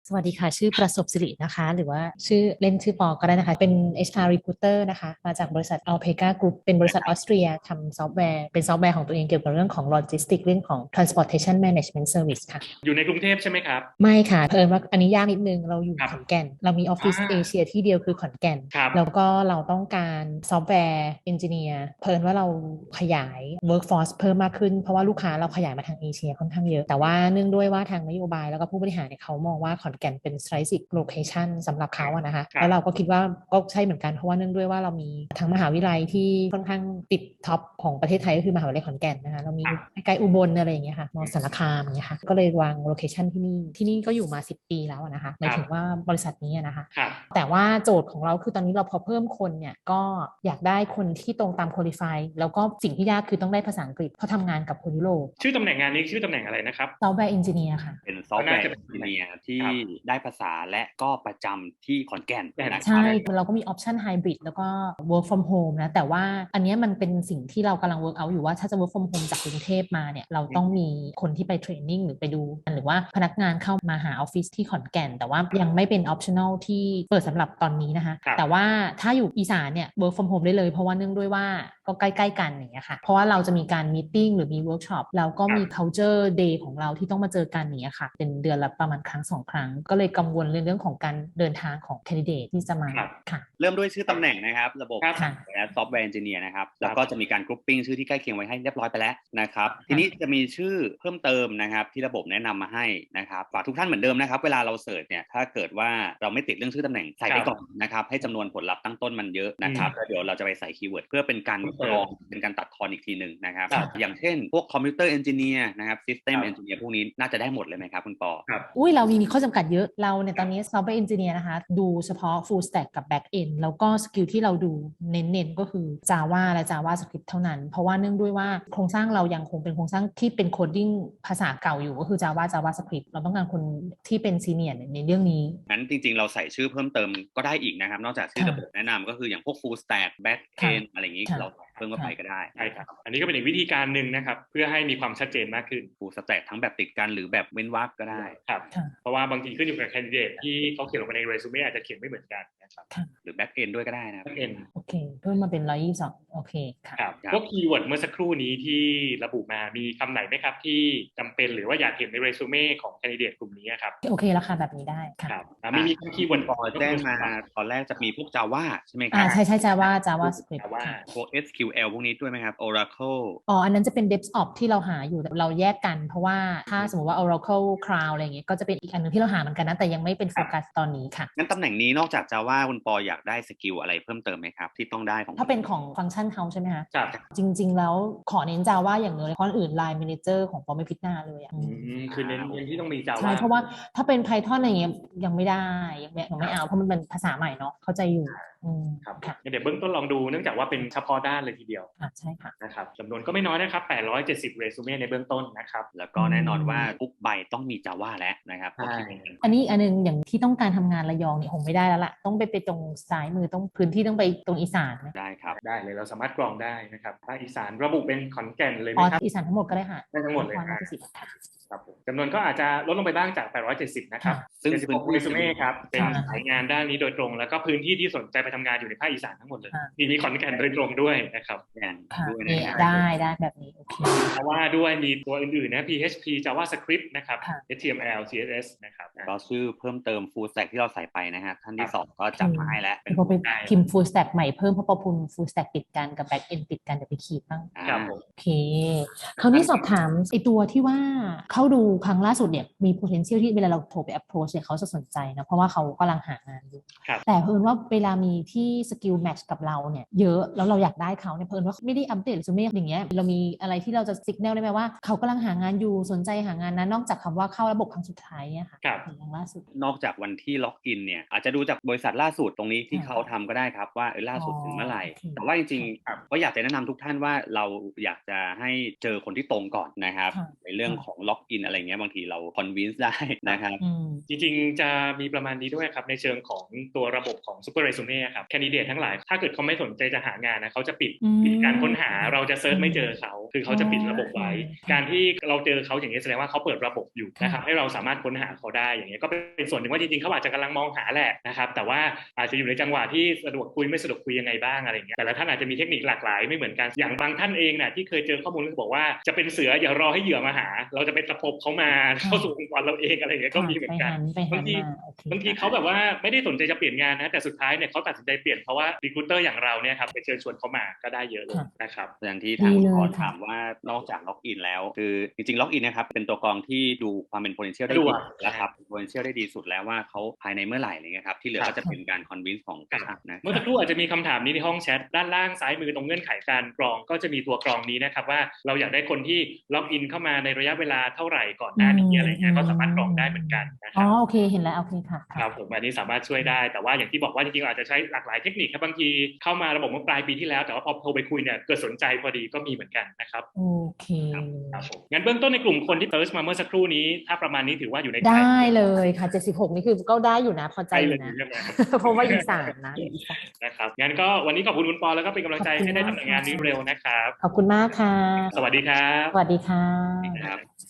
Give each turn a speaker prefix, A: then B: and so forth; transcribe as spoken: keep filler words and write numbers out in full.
A: สวัสดีค่ะชื่อประสบสิรินะคะหรือว่าชื่อเล่นชื่อปอก็ได้นะคะเป็น เอช อาร์ Recruiter นะคะมาจากบริษัท Alpaca Group เป็นบริษัทออสเตรียทำซอฟต์แวร์เป็นซอฟต์แวร์ของตัวเองเกี่ยวกับเรื่องของ Logistics เรื่องของ Transportation Management Service ค่ะ
B: อยู่ในกรุงเทพใช่ไหมครับ
A: ไม่ค่ะเพิ่มว่าอันนี้ยากนิดนึงเราอยู่
B: ครับ
A: ขอนแก่นเรามีออฟ
B: อ่า
A: ฟิศเอเชียที่เดียวคือขอนแก่น
B: ครับ
A: แล้วก็เราต้องการซอฟต์แวร์เอนจิเนียร์เพิ่มว่าเราขยาย workforce เพิ่มมากขึ้นเพราะว่าลูกค้าเราขยายมาทางเอเชียค่อนข้างเยอะแต่ว่าเนื่องด้วยว่าทางนโยบายแล้วก็ผู้บริหารเนี่ยเขามองว่าขอนแก่นเป็น strategic location สำหรับเขาอะนะคะ
B: ครับ
A: แล้วเราก็คิดว่าก็ใช่เหมือนกันเพราะว่าเนื่องด้วยว่าเรามีทั้งมหาวิทยาลัยที่ค่อนข้างติดท็อปของประเทศไทยก็คือมหาวิทยาลัยขอนแก่นนะคะเรามี
B: ครับ
A: ใกล้ๆอุบลอะไรอย่างเงี้ยค่ะมอสารคามอย่างเงี้ยค่ะก็เลยวางโลเคชันที่นี่ที่นี่ก็อยู่มาสิบปีแล้วนะคะหมายถึงว่าบริษัทนี้นะคะ
B: ครับ
A: แต่ว่าโจทย์ของเราคือตอนนี้เราพอเพิ่มคนเนี่ยก็อยากได้คนที่ตรงตามคุริฟายแล้วก็สิ่งที่ยากคือต้องได้ภาษาอังกฤษเพราะทำงานกับคนยุโรป
B: ชื่อตำแหน่งงานนี้ชื่อตำแหน่งอะไรนะครับ
A: ซอฟต์แวร์เอนจิเนียร์ค่ะ
C: เป็นซอฟต์แว
B: ก็น่า
C: ร์เอนจิ
B: จะเป็นตำแหน่ง
C: เนียร์ที่
B: ครับ
C: ได้ภาษาและก็ประจำที่ขอนแก่น
B: แก่น
A: ใช่
C: นะครับ
A: เราก็มีออปชันไฮบริดแล้วก็ work from home นะ แต่ว่าอันนี้มันเป็นสิ่งที่เรากำลัง work out อยู่ว่าถ้าจะ work from home จากกรุงเทพมาเนี่ย เราต้องมีคนที่ไปเทรนนิ่งหรือไปดู หรือว่าพนักงานเข้ามาหาออฟฟิศที่ขอนแก่น แต่ว่ายังไม่เป็น optional ที่เปิดสำหรับตอนนี้นะคะ
B: ครับ
A: แต่ว่าถ้าอยู่อีสานเนี่ย work from home ได้เลย เพราะว่าเนื่องด้วยว่าก็ใกล้ๆกันอย่างเงี้ยค่ะ เพราะว่าเราจะมีการ meeting หรือมี workshop แล้วก็มี culture day ของเราที่ต้องมาเจอกันอย่างเงี้ยค่ะเป็นเดือนละประมาณครั้งสองครั้งก็เลยกังวลในเรื่องของการเดินทางของ candidate ที่จะมา
B: ครับ
A: ค่ะ
C: เริ่มด้วยชื่อตำแหน่งนะครับระบบ
B: ครับ
A: ค่ะ
C: และซอฟต์แวร์เอนจิเนียร์นะครับแล้วก็จะมีการกรุ๊ปปิ้งชื่อที่ใกล้เคียงไว้ให้เรียบร้อยไปแล้วนะครับทีนี้จะมีชื่อเพิ่มเติมนะครับที่ระบบแนะนำมาให้นะครับฝากทุกท่านเหมือนเดิมนะครับเวลาเราเสิร์ชเนี่ยถ้าเกิดว่าเราไม่ติดเรื่องชื่อตำแหน่งใส่ไปก่อนนะครับให้จำนวนผลลัพธ์ตั้งต้นมันเยอะนะครับแล้วเดี๋ยวเราจะไปใส่คีย์เวิร์ดเพื่อเป็นการกรองเป็นการตัดทอนอีกทีหนึ่งนะครับอย่างเช่นพวกคอมพิวเตอร์เอนจิเนียร์นะครับซิสเต็มเอนจิเนียร์พวกนี้น่าจะได้หมดเลยไหมครับคุณปอ
B: ครับ
A: อุ้ยเรามีมีข้อจำกัดเยอะเราเนี่ยตอนนี้ software engineer นะคะดูเฉพาะ full stack กับ back end แล้วก็สกิลที่เราดูเน้นๆก็คือ Java และ JavaScript เท่านั้น เพราะว่าเนื่องด้วยว่าโครงสร้างเรายังคงเป็นโครงสร้างที่เป็นโคดดิ้งภาษาเก่าอยู่ก็คือ Java JavaScript เราต้องการคนที่เป็น senior ในเรื่องนี้
C: งั้นจริงๆเราใส่ชื่อเพิ่มเติมก็ได้อีกนะครับนอกจากชื่อระบบแนะนำก็คืออย่างพวก full stack back end อะไรอย่างนี้เราเพิ่มเข้าไปก็ได้
B: ใช่ครับอันนี้ก็เป็นอีกวิธีการหนึ่งนะครับเพื่อให้มีความชัดเจนมากขึ้น
C: full stack ทั้งแบบติดกันหรือแบบเว้นวรรคก็ได้
B: ครับเพราะว่าบางทีขึ้นอยู่กับแคนดิเดตที่เขาเขียนลงไปในเรซูเม่อาจจะเขียนไม่เหมือนกันนะครับ
C: หรือ back end ด้วยก็ได้นะครับ
B: back end
A: โอเคเพิ่มมาเป็นหนึ่งร้อยยี่สิบสองโอเคค่ะ
B: ครับพวกคีย์เวิร์ดเมื่อสักครู่นี้ที่ระบุมามีคำไหนไหมครับที่จำเป็นหรือว่าอยากเห็นในเรซูเม่ของแคนดิเดตกลุ่มนี้ครับ
A: โอเคแล้วค่ะแบบนี้ได้ค่ะ
B: ครับมีมีคีย์เวิร์ด
C: พอแจ้งมาตอนแรกจะมีพวก Java ใช่ไหมครั
A: อ่า
C: บ
A: ใช่ใช่ Java JavaScript
B: ว่า
A: ค่ะ
C: พวก เอส คิว แอล พวกนี้ด้วยไหมครับ Oracle
A: อ๋ออันนั้นจะเป็น DevOps ที่เราหาอยู่เราแยกกันเพราะว่าถ้าสมมติว่า Oracle Cloud อะไรอย่างเงี้ยก็จะเป็นอีกอันหนึงที่เราหาเหมือนกันนะแต่ยังไม่เป็นโฟกัสตอนนี้ค่ะ
C: งั้นตำแหน่งนี้นอกจาก Java คุณปออยากได้สกิลอะไรเพิ่มเติมไหมครับที่ต้องได้ของ
A: ถ้าเป็นของฟังก์ชันเขาใช่ไหมคะ
B: ครับ
A: จริงๆแล้วขอเน้น Java อย่างเดียวเลยเพราะอื่น Line Manager ของปอไม่พิจารณาเลยอ่ะ
B: อืมคือเน้นเน้นที่ต้องมี Java
A: ใช่เพราะว่าถ้าเป็น Python อะไรเงี้ยยังไม่ได้ยังไม่ยังไม่เอาเพราะมันเป็นภาษาใหม่เนาะเข้าใจอยู่อืม
B: ครับ
A: ค่ะ
B: เดี๋ยวเบื้องต้นลองดูเนื่องจากว่าเป็นเฉพาะด้านเลยทีเดียว
A: อ่ะใช่ค่ะ
B: นะครับจำนวนก็ไม่น้อยนะครับแปดร้อยเจ็ดสิบเรซูเม่ในเบื้องต้นนะครับ
C: แล้วก็แน่นอนว่าทุกใบต้องมี Java แล้วนะครับ
B: ใช่
A: อันนี้อันนึงอย่างที่ต้องการทำงานระยองเนี่ยคงไม่ได้แล้วล่ะต้องไปไปตรงซ้ายมือต้องพื้นที่ต้องไปตรงอีสานนะ
C: ได้ครับ
B: ได้เลยเราสามารถกรองได้นะครับภาคอีสานระบุเป็นขอนแก่นเลยไห
A: อ๋อ
B: มครับ
A: อีสานทั้งหมดก็ได้ค่ะ
B: ได้ทั้งหมดเลย
A: นครราชสีมา
B: ครับผมจำนวนก็อาจจะลดลงไปบ้างจากแปดร้อยเจ็ดสิบนะครับ
C: ซึ่ง
B: เจ็ดสิบหกเรซูเม่ครับเป็น
A: ค่ะ
B: สายงานด้านนี้โดยตรงแล้วก็พื้นที่ที่สนใจไปทำงานอยู่ในภาคอีสานทั้งหมดเลย
A: ค่ะ
B: มีมีขอนแก่นโดยตรงด้วยนะครับ
C: แน่น
A: ค่ะ
C: ด้วย
A: เนี่
C: นะ
A: ย
C: ครับ
A: ได้ได้แบบนี้โอเค
B: เพราะว่าด้วยมีตัวอื่นๆนะ พี เอช พี JavaScript นะครับ
A: ค่ะ
B: เอช ที เอ็ม แอล ซี เอส เอส นะครับ
C: ก็ชื่อเพิ่มเติม full stack ที่เราใส่ไปนะฮะท่านที่สองก็จับมาให้แล้วเป็น
A: พอไปพิมพ์ full stack ใหม่เพิ่มเพราะพอพิมพ์ full stack ติดกันกับ back end ติดกันเดี๋ยวไปขีดบ้าง
B: ครับผม
A: โอเคคราวนี้สอบถามไอตัวที่ว่าเข้าดูครั้งล่าสุดเนี่ยมี potential ที่เวลาเราโทรไป approach เนี่ยเขาจะสนใจนะเพราะว่าเขากำลังหางานอยู่แต่เพิ่นว่าเวลามีที่สกิลแมทช์กับเราเนี่ยเยอะแล้วเราอยากได้เขาเนี่ยเพิ่นว่าไม่ได้อัปเดตเรซูเม่อย่างเงี้ยเรามีอะไรที่เราจะสิกแนลได้ไหมว่าเขากำลังหางานอยู่สนใจหางานนั้นนอกจากคำว่าเข้าระบบครั้งสุดท้ายเนี่ยค่ะอย่างล่าสุด
C: นอกจากวันที่ล็อกอินเนี่ยอาจจะดูจากบริษัทล่าสุดตรงนี้ที่เขาทำก็ได้ครับว่าเออล่าสุดถึงเมื่อไหร่แต่ว่าจริงๆก็อยากจะแนะนำทุกท่านว่าเราอยากจะให้เจอคนที่ตรงก่อนนะครับในเรื่องของล็อกอินอะไรเงี้ยบางทีเราคอนวินส์ได้นะครับ
B: จริงๆจะมีประมาณนี้ด้วยครับในเชิงของตัวระบบของ Super Resume เนี่ยครับแคนดิเดตทั้งหลายถ้าเกิดเขาไม่สนใจจะหางานนะเขาจะปิด
A: อืม
B: ปิดการค้นหาเราจะเซิร์ชไม่เจอเขาคือเขาจะปิดระบบไว้
A: อ๋อ
B: การที่เราเจอเขาอย่างนี้แสดงว่าเขาเปิดระบบอยู่นะครับ
A: ค่ะ
B: ให้เราสามารถค้นหาเขาได้อย่างนี้ยก็เป็นส่วนหนึ่งว่าจริงๆเขาอาจจะกำลังมองหาแหละนะครับแต่ว่าอาจจะอยู่ในจังหวะที่สะดวกคุยไม่สะดวกคุยยังไงบ้างอะไรอย่างเงี้ยแต่ละท่านอาจจะมีเทคนิคหลากหลายไม่เหมือนกันอย่างบางท่านเองเนี่ยที่เคยเจอข้อมูลก็บอกว่าจะเป็นเสืออย่ารอให้เหยื่อมาหาเราจะไปตะปบเขามาเข้าสู่องค์กรเราเองอะไรอย่างเงี้ยก็มีเหมือนกันบางทีบางทีเขาแบบว่าไม่ได้สนใจจะเปลี่ยนงานนะแต่สุดท้ายเนี่ยเขาตัดสินใจเปลี่ยนเพราะว่ารีครูเตอร์อย่างเราเนี่ยครับไปเชิญชวนเขามาก็ได้เยอะเลยนะครับ
C: อย่างที่ทางคุณพรถามว่านอกจากล็อกอินแล้วคือจริงๆล็อกอินนะครับเป็นตัวกรองที่ดูความเป็น potential ได้ดีแล้วครับ potential ได้ดีสุดแล้วว่าเขาภายในเมื่อไหร่อะไรเงี้ยครับที่เหลือก็จะเป็นการ convince ของกระชับนะ
B: เมื่อสักครู่อาจจะมีคำถามนี้ในห้องแชทด้านล่างซ้ายมือตรงเงื่อนไขการกรองก็จะมีตัวกรองนี้นะครับว่าเราอยากได้คนที่ล็อกอินเข้ามาในระยะเวลาเท่าไหร่ก่อนหน้านี้อะไรเงี้ยก็สามารถกรองได้เหมือนกันนะครับ
A: อ๋อโอเคเห็นแล้วโอเคค่ะ
B: ครับผมอันนี้สามารถช่วยได้แต่ว่าอย่างที่บอกว่าจริงๆอาจจะใช้หลากหลายเทคนิคครับบางทีเข้ามาระบบเมื่อปลายปีที่แล้วแต่ว่าพอโทรไปคุยเนี่ยเกิดสนใจพอดีก็มีเหมือนกันนะครับ
A: โอเค
B: ครับผมงั้นเบื้องต้นในกลุ่มคนที่เติร์ชมาเมื่อสักครู่นี้ถ้าประมาณนี้ถือว่าอยู่ใน
A: ได้เลยค่ะเจ็ดสิบหกนี่คือก็ได้อยู่นะพอใจอยู่นะเพราะว่าอีสานนะ
B: นะครับงั้นก็วันนี้ขอบคุณคุณปอแล้วก็เป็นกำลังใจให้ได้ทำงานนี้เร็วนะครับ
A: ขอบคุณมากค่ะ
B: สวัสดีครับ
A: สวัสดีค่ะ